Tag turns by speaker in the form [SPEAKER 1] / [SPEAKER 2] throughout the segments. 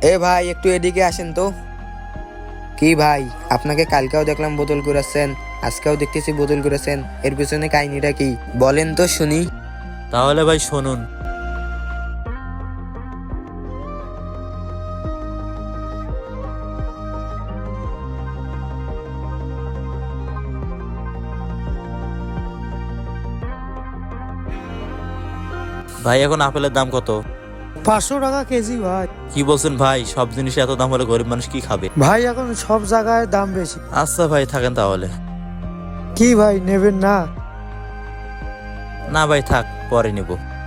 [SPEAKER 1] এ ভাই একটু এদিকে আসেন তো। কি ভাই, আপনাকে কালকেও দেখলাম বোতল কুড়াচ্ছেন, আজকেও দেখতেছি বোতল কুড়াচ্ছেন, এর পিছনে কাহিনীটা কি বলেন তো শুনি।
[SPEAKER 2] তাহলে ভাই শুনুন। ভাই এখন আপেলের দাম কত?
[SPEAKER 3] 500 টাকা কেজি ভাই।
[SPEAKER 2] কি বলছেন ভাই, সব জিনিস এত দাম হলে গরিব মানুষ কি খাবে?
[SPEAKER 3] ভাই এখন সব জায়গায় দাম বেশি।
[SPEAKER 2] আচ্ছা ভাই থাকেন তাহলে।
[SPEAKER 3] কি ভাই নেবেন না?
[SPEAKER 2] না ভাই থাক, পরে নিব।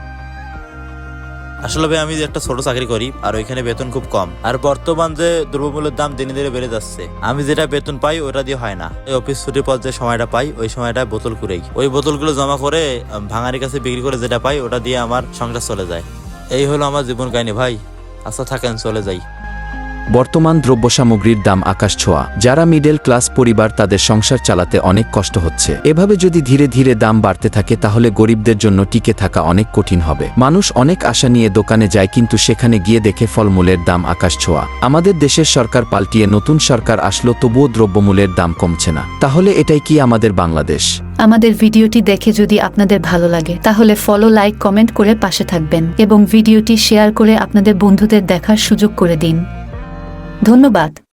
[SPEAKER 2] আসলে ভাই আমি যে একটা ছোট চাকরি করি আর ওইখানে বেতন খুব কম, আর বর্তমান যে দ্রব্যমূল্যের দাম দিনে দিনে বেড়ে যাচ্ছে, আমি যেটা বেতন পাই ওটা দিয়ে হয় না। এই অফিস ছুটির পর যে সময়টা পাই ওই সময়টা বোতল কুড়াই, ওই বোতলগুলো জমা করে ভাঙারির কাছে বিক্রি করে যেটা পাই ওটা দিয়ে আমার সংসার চলে যায়। এই হলো আমার জীবন কাহিনী ভাই। আচ্ছা থাকেন, চলে যাই।
[SPEAKER 4] বর্তমান দ্রব্যসামগ্রীর দাম আকাশ ছোঁয়া। যারা মিডল ক্লাস পরিবার তাদের সংসার চালাতে অনেক কষ্ট হচ্ছে। এভাবে যদি ধীরে ধীরে দাম বাড়তে থাকে তাহলে গরিবদের জন্য টিকে থাকা অনেক কঠিন হবে। মানুষ অনেক আশা নিয়ে দোকানে যায়, কিন্তু সেখানে গিয়ে দেখে ফলমূলের দাম আকাশ ছোঁয়া। আমাদের দেশের সরকার পাল্টিয়ে নতুন সরকার আসলো, তবুও দ্রব্যমূল্যের দাম কমছে না। তাহলে এটাই কি আমাদের বাংলাদেশ?
[SPEAKER 5] আমাদের ভিডিওটি দেখে যদি আপনাদের ভালো লাগে তাহলে ফলো, লাইক, কমেন্ট করে পাশে থাকবেন এবং ভিডিওটি শেয়ার করে আপনাদের বন্ধুদের দেখার সুযোগ করে দিন। ধন্যবাদ।